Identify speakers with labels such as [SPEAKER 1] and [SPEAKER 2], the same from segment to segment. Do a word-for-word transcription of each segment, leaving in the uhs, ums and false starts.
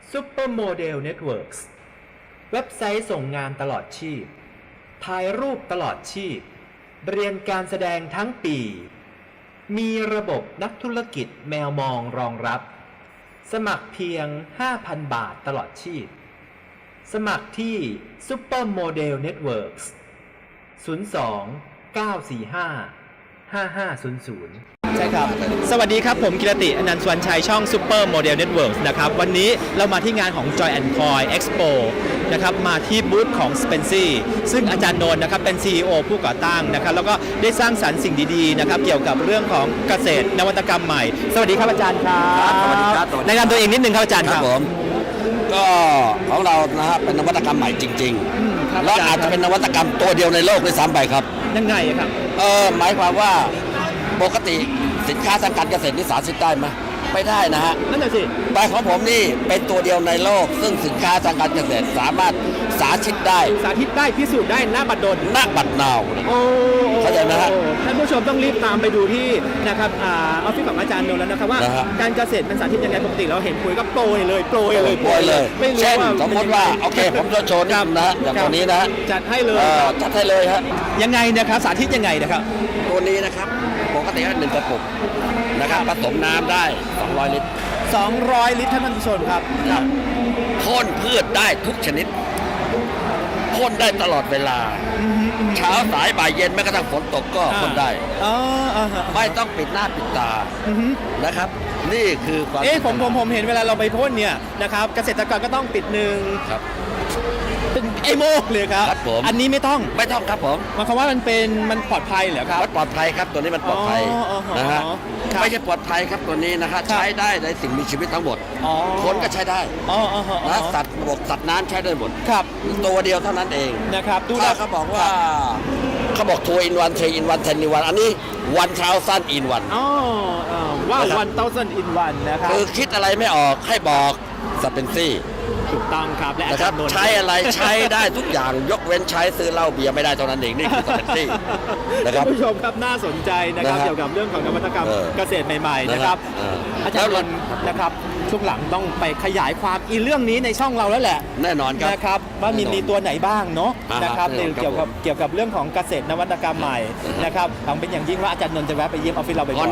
[SPEAKER 1] Supermodel Networks เว็บไซต์ส่งงานตลอดชีพถ่ายรูปตลอดชีพเรียนการแสดงทั้งปีมีระบบนักธุรกิจแมวมองรองรับสมัครเพียง ห้าพัน บาทตลอดชีพสมัครที่ Supermodel Networks ศูนย์ สอง เก้า สี่ ห้า ห้า ห้า ศูนย์ ศูนย์ ใช่ครับสวัสดีครับผมกิรติอนันต์สวรรณชัยช่อง Super Model Networks นะครับวันนี้เรามาที่งานของ Joy แอนด์ Coy Expo นะครับมาที่บูธของ Spency ซึ่งอาจารย์นนท์นะครับเป็น ซี อี โอ ผู้ก่อตั้งนะครับแล้วก็ได้สร้างสรรค์สิ่งดีๆนะครับเกี่ยวกับเรื่องของเกษตรนวัตกรรมใหม่สวัสดีครับอาจารย์ครับ
[SPEAKER 2] สวัสดีครับ
[SPEAKER 1] แนะนำตัวเองนิดนึงครับอาจารย์ครับ
[SPEAKER 2] ผมก็ของเรานะฮะเป็นนวัตกรรมใหม่จริงๆแล้วอาจจะเป็นนวัตกรรมตัวเดียวในโลกด้วยซ้ำไปครับ
[SPEAKER 1] ยังไงครับ
[SPEAKER 2] เออหมายความว่าปกติสินค้าทางการเกษตรนี่สาธิตได้ไหมไม่ได้นะฮะ
[SPEAKER 1] นั่นแหละสิ
[SPEAKER 2] แต่ของผมนี่เป็นตัวเดียวในโลกซึ่งสินค้าทางการเกษตรสามารถสาธิตได้
[SPEAKER 1] สาธิตได้พิสูจน์ได้หน้าบัดดล
[SPEAKER 2] หน้าบัดนาว
[SPEAKER 1] โอ้
[SPEAKER 2] เข้าใจนะฮะ
[SPEAKER 1] ท่านผู้ชมต้องรีบตามไปดูที่นะครับออฟฟิศของอาจารย์นนท์แล้วนะครับว่าการเกษตรมันสาธิตยังไงปกติเราเห็นคุยก็โปรยเลยโปรยเลย
[SPEAKER 2] โปรยเลยเช่นสมมติว่าโอเคผมจะโชว์นะนะอย่างตัวนี้นะ
[SPEAKER 1] จัดให้เลย
[SPEAKER 2] จัดให้เลยฮะ
[SPEAKER 1] ยังไงนะครับสาธิตยังไงนะครับ
[SPEAKER 2] ตัวนี้นะครับปกติก็หนึ่งกระปุกนะครับผสมน้ำได้สองร้อยลิตร
[SPEAKER 1] สองร้อยลิตรท่านผู้ชมครับครับ
[SPEAKER 2] พ่นพืชได้ทุกชนิดพ่นได้ตลอดเวลาเช้าสายบ่ายเย็นแม้กระทั่งฝนตกก็พ่นได้ไม่ต้องปิดหน้าปิดตานะครับนี่คือความ
[SPEAKER 1] เอ๊ะผมผมผมเห็นเวลาเราไปพ่นเนี่ยนะครับเกษตรกรก็ต้องปิดหนึ่ง
[SPEAKER 2] ครับ
[SPEAKER 1] เป็นไอ้โมกเลยครับอันนี้ไม่ต้อง
[SPEAKER 2] ไม่ต้องครับผม
[SPEAKER 1] หมายความว่ามันเป็นมันปลอดภัยเหรอครับ
[SPEAKER 2] ปลอดภัยครับตัวนี้มันปลอดภัยนะฮะไม่ใช่ปลอดภัยครับตัวนี้นะครับใช้ได้ในสิ่งมีชีวิตทั้งหมดคนก็ใช้ได้นะสัตว์บกสัตว์น้ำใช้ได้หมด
[SPEAKER 1] ครับ
[SPEAKER 2] ตัวเดียวเท่านั้นเอง
[SPEAKER 1] นะครับ
[SPEAKER 2] ดูแลเขาบอกว่าเขาบอกทัวร์อินวันเทอินวันเทนอินวันอันนี้วันเท้าสั้นอินวัน
[SPEAKER 1] อ๋อว่าวันเท้าสั้นอินวันนะครับ
[SPEAKER 2] คือคิดอะไรไม่ออกให้บอกสเปนซี่
[SPEAKER 1] ถูกต้องครับและ
[SPEAKER 2] นะครับใช้อะไรใช้ได้ทุกอย่างยกเว้นใช้ซื้อเหล้าเบียร์ไม่ได้เท่านั้นเองนี่คือสเปนซี่
[SPEAKER 1] นะครับผู้ชมครับน่าสนใจนะครับเกี่ยวกับเรื่องของนวัตกรรมเกษตรใหม่ๆนะครับอาจารย์นนท์นะครับช่วงหลังต้องไปขยายความอีเรื่องนี้ในช่องเราแล้วแหละ
[SPEAKER 2] แน่นอนครับ
[SPEAKER 1] นะครับว่ามีมีตัวไหนบ้างเนาะนะครับเกี่ยวกับเกี่ยวกับเรื่องของเกษตรนวัตกรรมใหม่นะครับหวังเป็นอย่างยิ่งว่าอาจารย์นนท์จะแวะไปเยี่ยมออฟฟิศเราไปก่อน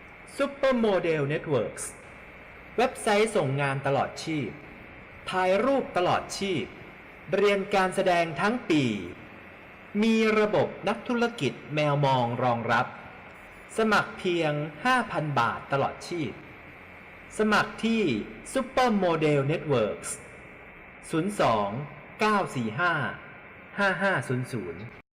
[SPEAKER 1] Supermodel Networks เว็บไซต์ส่งงานตลอดชีพถ่ายรูปตลอดชีพเรียนการแสดงทั้งปีมีระบบนักธุรกิจแมวมองรองรับสมัครเพียง ห้าพัน บาทตลอดชีพสมัครที่ Supermodel Networks ศูนย์ สอง เก้า สี่ ห้า ห้า ห้า ศูนย์ ศูนย์